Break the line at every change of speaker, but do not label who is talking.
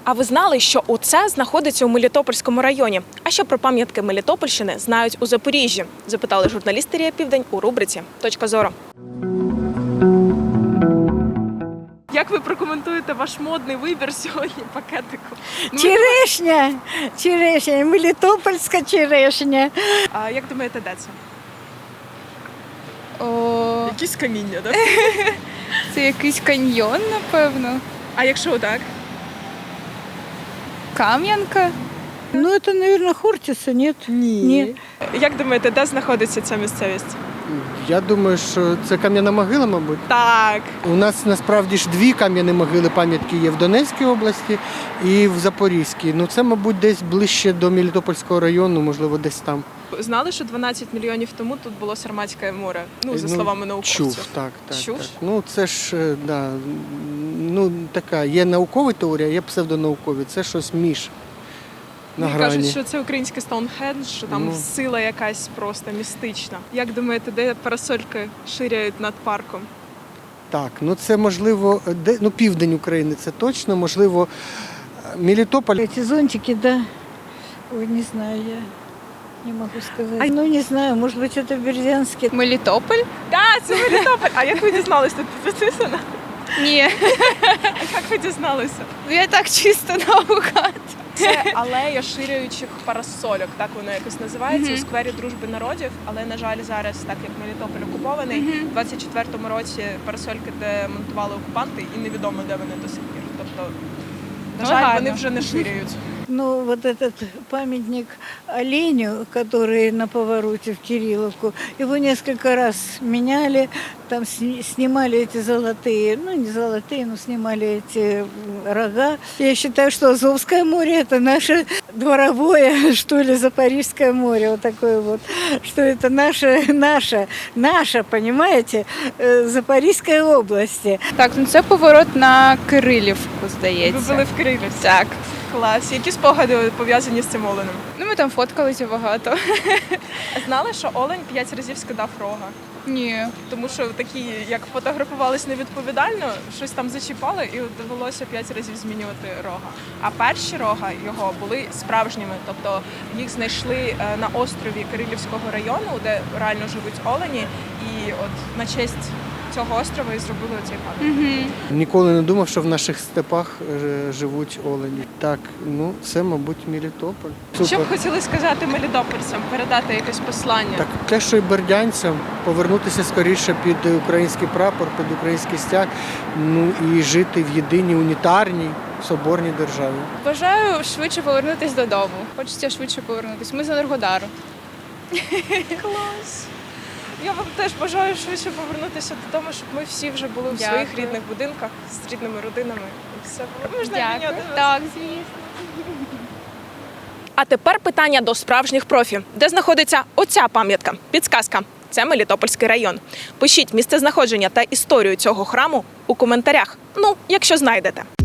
А ви знали, що оце знаходиться у Мелітопольському районі? А що про пам'ятки Мелітопольщини знають у Запоріжжі? Запитали журналісти РІА Південь у рубриці «Точка зору». Як ви прокоментуєте ваш модний вибір сьогодні пакетику?
Черешня, Мелітопольська черешня.
А як думаєте, де це? Якісь каміння, так?
Це якийсь каньйон, напевно.
А якщо так?
Кам'янка.
Ну, это, наверное, Хортица, нет?
Ні. Як думаєте, де знаходиться ця місцевість?
Я думаю, що це кам'яна могила, мабуть.
Так.
У нас насправді ж дві кам'яні могили пам'ятки є в Донецькій області і в Запорізькій. Ну це, мабуть, десь ближче до Мелітопольського району, можливо, десь там.
Знали, що 12 мільйонів тому тут було Сарматське море? Ну, за словами науковців.
Чув, так.
Чув?
Так. Ну це ж, да, ну така, є наукова теорія, є псевдонаукові. Це щось між. На
Мені
грані.
кажуть, що це український Стоунхендж, що там сила якась просто містична. Як думаєте, де парасольки ширяють над парком?
Так, ну це можливо, ну південь України, це точно, можливо, Мелітополь.
Эти зонтики, да. Ой, не знаю я. Не могу сказать. Ну, не знаю, может быть, это Бердянский.
Мелітополь?
Так, це Мелітополь! А як ви дізналися? Тут підписано?
Ні.
А як ви дізналися?
Я так чисто наугад.
Це алея ширяючих парасольок, так воно якось називається, у сквері Дружби народів. Але, на жаль, зараз, так як Мелітополь окупований, у 24-му році парасольки демонтували окупанти і невідомо, де вони до сих пір. Тобто, на жаль, вони вже не ширяють.
Ну, вот этот памятник оленю, который на повороте в Кирилловку, его несколько раз меняли, там снимали эти золотые, ну не золотые, но снимали эти рога. Я считаю, что Азовское море это наше дворовое, что ли, Запорожское море, вот такое вот, что это наша, понимаете, Запорізької області.
Так, ну це поворот на Кирилівку, здається.
Ви були в Кирилівці?
Так.
Клас. Які спогади пов'язані з цим оленем?
Ну ми там фоткалися багато.
Знали, що олень 5 разів скидав рога?
Ні.
Тому що такі, як фотографувались невідповідально, щось там зачіпали і довелося 5 разів змінювати рога. А перші рога його були справжніми, тобто їх знайшли на острові Кирилівського району, де реально живуть олені, і от на честь цього острова і зробили цей пам'ятник.
Ніколи не думав, що в наших степах живуть олені. Так, ну це, мабуть, Мелітополь.
Що б хотіли сказати мелітопольцям, передати якесь послання?
Так, те, що і бердянцям, повернутися скоріше під український прапор, під український стяг, ну і жити в єдиній унітарній соборній державі.
Бажаю швидше повернутися додому. Хочеться швидше повернутися. Ми з Енергодару.
Клас! Я вам теж бажаю швидше повернутися додому, щоб ми всі вже були в своїх рідних будинках з рідними родинами. І все було. Можна обміняти вас?
Так, звісно.
А тепер питання до справжніх профі. Де знаходиться оця пам'ятка? Підсказка. Це Мелітопольський район. Пишіть місцезнаходження та історію цього храму у коментарях. Ну, якщо знайдете.